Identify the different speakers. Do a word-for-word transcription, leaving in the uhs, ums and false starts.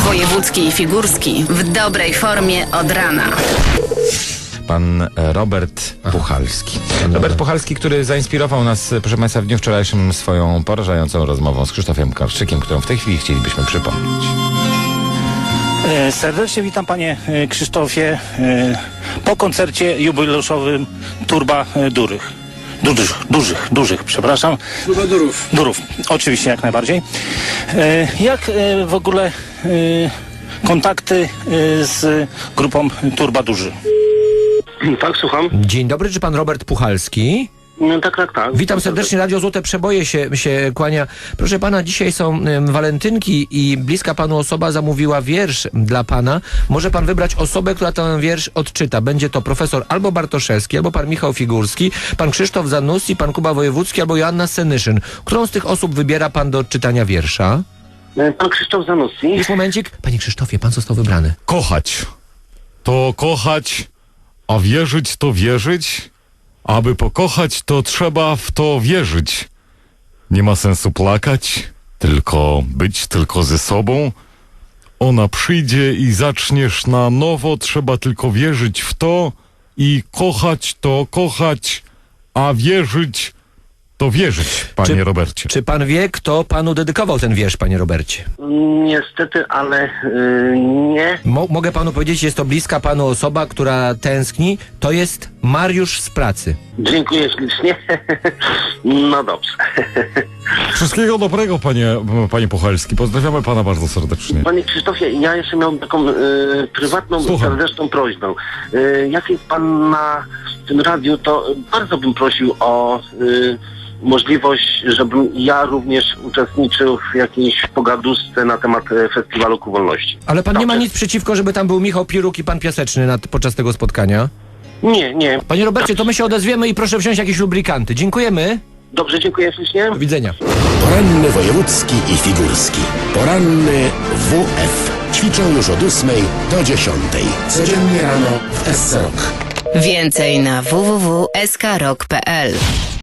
Speaker 1: Wojewódzki i Figurski w dobrej formie od rana.
Speaker 2: Pan Robert Puchalski. Robert Puchalski, który zainspirował nas, proszę Państwa, w dniu wczorajszym swoją porażającą rozmową z Krzysztofem Karszczykiem, którą w tej chwili chcielibyśmy przypomnieć.
Speaker 3: Serdecznie witam Panie Krzysztofie po koncercie jubileuszowym Turba Durych. Dużych, dużych, dużych, przepraszam.
Speaker 4: Turba Durów.
Speaker 3: Durów, oczywiście, jak najbardziej. Jak w ogóle kontakty z grupą Turba Duży?
Speaker 4: Tak, słucham.
Speaker 5: Dzień dobry, czy pan Robert Puchalski?
Speaker 4: No, tak, tak, tak.
Speaker 5: Witam serdecznie, Radio Złote Przeboje się, się kłania. Proszę pana, dzisiaj są ym, walentynki i bliska panu osoba zamówiła wiersz dla pana. Może pan wybrać osobę, która ten wiersz odczyta. Będzie to profesor albo Bartoszewski, albo pan Michał Figurski, pan Krzysztof Zanussi, pan Kuba Wojewódzki, albo Joanna Senyszyn. Którą z tych osób wybiera pan do odczytania wiersza?
Speaker 4: Pan Krzysztof Zanussi.
Speaker 5: Już momencik. Panie Krzysztofie, pan został wybrany.
Speaker 6: Kochać to kochać, a wierzyć to wierzyć. Aby pokochać, to trzeba w to wierzyć. Nie ma sensu plakać, tylko być tylko ze sobą. Ona przyjdzie i zaczniesz na nowo, trzeba tylko wierzyć w to i kochać to kochać, a wierzyć to wierzyć, panie
Speaker 5: Czy-
Speaker 6: Robercie.
Speaker 5: Czy pan wie, kto panu dedykował ten wiersz, panie Robercie?
Speaker 4: Niestety, ale yy, nie.
Speaker 5: Mo- mogę panu powiedzieć, jest to bliska panu osoba, która tęskni. To jest Mariusz z pracy.
Speaker 4: Dziękuję ślicznie. No dobrze.
Speaker 6: Wszystkiego dobrego, panie, panie Puchalski. Pozdrawiamy pana bardzo serdecznie.
Speaker 4: Panie Krzysztofie, ja jeszcze miałem taką yy, prywatną,
Speaker 6: Słucham.
Speaker 4: serdeczną prośbę. Yy, jak jest pan na tym radiu, to bardzo bym prosił o yy, możliwość, żebym ja również uczestniczył w jakiejś pogaduszce na temat e, Festiwalu Ku Wolności.
Speaker 5: Ale pan nie ma
Speaker 4: Dobrze.
Speaker 5: nic przeciwko, żeby tam był Michał Piruk i pan Piaseczny nad, podczas tego spotkania?
Speaker 4: Nie, nie.
Speaker 5: Panie Robercie, to my się odezwiemy i proszę wziąć jakieś lubrykanty. Dziękujemy.
Speaker 4: Dobrze, dziękuję ślicznie.
Speaker 5: Do widzenia.
Speaker 7: Poranny wojewódzki i figurski. Poranny W F. Ćwiczą już od ósmej do dziesiątej. Codziennie rano w S C Rock.
Speaker 1: Więcej na w w w kropka s k rock kropka p l.